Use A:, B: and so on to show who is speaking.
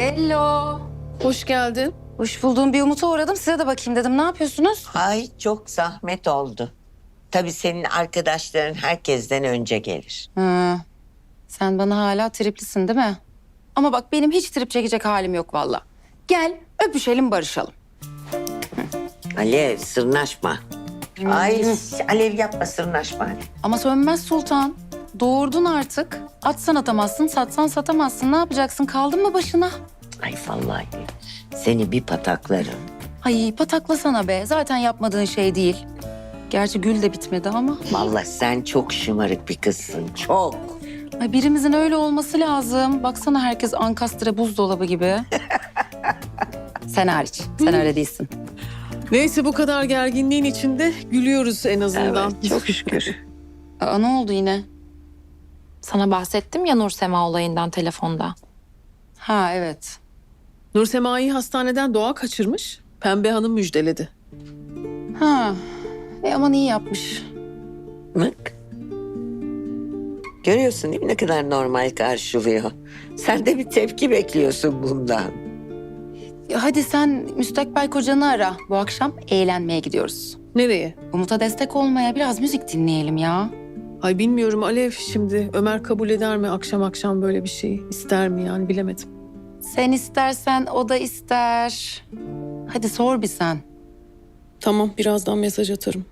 A: Hello.
B: Hoş geldin.
A: Hoş bulduğum bir Umut'a uğradım. Size de bakayım dedim. Ne yapıyorsunuz?
C: Ay çok zahmet oldu. Tabii senin arkadaşların herkesten önce gelir.
A: Hı. Sen bana hala triplisin değil mi? Ama bak benim hiç trip çekecek halim yok valla. Gel öpüşelim barışalım.
C: Alev sırnaşma. Ay Alev yapma sırnaşma.
A: Ama sönmez sultan. Doğurdun artık. Atsan atamazsın, satsan satamazsın. Ne yapacaksın? Kaldın mı başına?
C: Ay vallahi seni bir pataklarım.
A: Ay pataklasana be. Zaten yapmadığın şey değil. Gerçi gül de bitmedi ama.
C: Vallahi sen çok şımarık bir kızsın. Çok.
A: Ay birimizin öyle olması lazım. Baksana herkes ankastre buzdolabı gibi. Sen hariç. Sen öyle değilsin.
B: Neyse bu kadar gerginliğin içinde gülüyoruz en azından.
C: Evet, çok şükür.
A: Aa, ne oldu yine?
D: Sana bahsettim ya Nursema olayından telefonda.
A: Ha evet.
B: Nursema'yı hastaneden Doğa kaçırmış. Pembe Hanım müjdeledi.
A: Ha. Aman iyi yapmış.
C: Bak. Görüyorsun değil mi ne kadar normal karşılıyor. Sen de bir tepki bekliyorsun bundan.
A: Ya hadi sen müstakbel kocanı ara. Bu akşam eğlenmeye gidiyoruz.
B: Nereye?
A: Umut'a destek olmaya biraz müzik dinleyelim ya.
B: Ay bilmiyorum Alev şimdi. Ömer kabul eder mi akşam akşam böyle bir şeyi? İster mi yani bilemedim.
A: Sen istersen o da ister. Hadi sor bir sen.
B: Tamam birazdan mesaj atarım.